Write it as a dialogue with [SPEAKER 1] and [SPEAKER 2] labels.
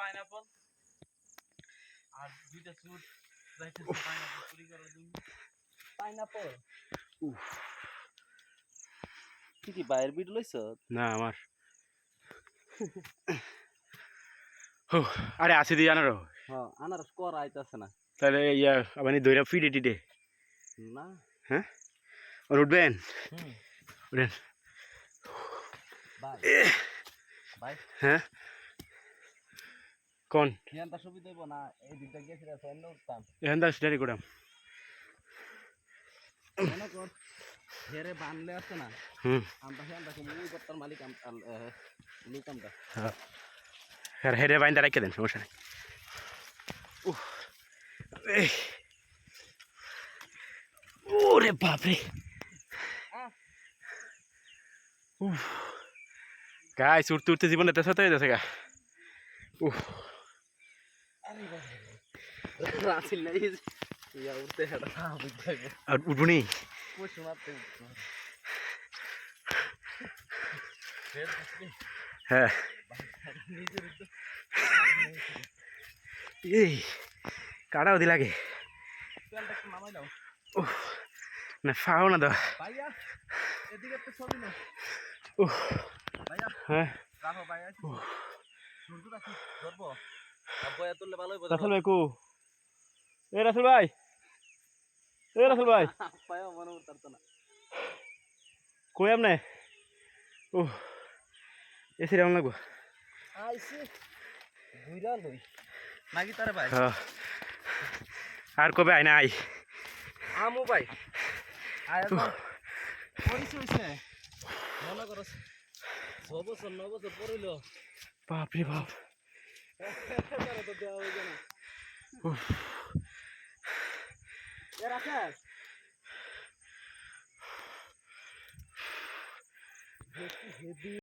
[SPEAKER 1] pineapple আর দুইটা চুট যাইতেছে pineapple চুরি করার জন্য পাইনাপল কি কি বাইরের বিট লইছ
[SPEAKER 2] না আমার আরে আসি দিয়ে আনারো
[SPEAKER 1] হ্যাঁ আনারস কর আইতাছে না
[SPEAKER 2] তাহলে ইয়া আপনি দইরা ফিডে টিডে
[SPEAKER 1] না
[SPEAKER 2] হ্যাঁ আর উঠবেন উঠেন
[SPEAKER 1] ভাই ভাই
[SPEAKER 2] হ্যাঁ কোন
[SPEAKER 1] ইয়ানটা সুবিধা হইব না এই দিকটা গেছিল সামনে উঠতাম
[SPEAKER 2] এখান থেকে স্টাডি করাম
[SPEAKER 1] মনে কর হেরে বানলে আছে না আমরা হেনটা মুই করতাম মালিক লুকামটা
[SPEAKER 2] হ্যাঁ হেরে বাইন্দা রেখে দেন সমস্যা নেই ওরে বাপরে গাইস উঠতে উঠতে জীবনে তেসা হয়ে যাচ্ছে গা
[SPEAKER 1] রাসিল নাই ইয়া উঠতে হেডা বুঝাইবো
[SPEAKER 2] আর উঠবনি
[SPEAKER 1] পুশ মারতে
[SPEAKER 2] হ্যাঁ এই কাটাও দি লাগে না ফাও না তো
[SPEAKER 1] ভাইয়া এদিকে তো ছবি না ভাইয়া
[SPEAKER 2] হ্যাঁ
[SPEAKER 1] রাখো ভাইয়া শুনতো নাকি ধরবো আব্বায়া তুললে ভালো হইব
[SPEAKER 2] রাসেল ভাই কো এ রাসেল ভাই
[SPEAKER 1] পায়া মনে উঠতো না
[SPEAKER 2] কই আমনে এসে রাম লাগবো
[SPEAKER 1] আইছে ঘুরা লই নাকি তারে ভাই
[SPEAKER 2] আর কবে আই নাই
[SPEAKER 1] আমু ভাই আয়া তো পরিচয় হইছে মনে করো 6 বছর 9 বছর পড়িল
[SPEAKER 2] বাপ রে বাপ
[SPEAKER 1] তারে তো দেওয়া হইছে না এ রাখা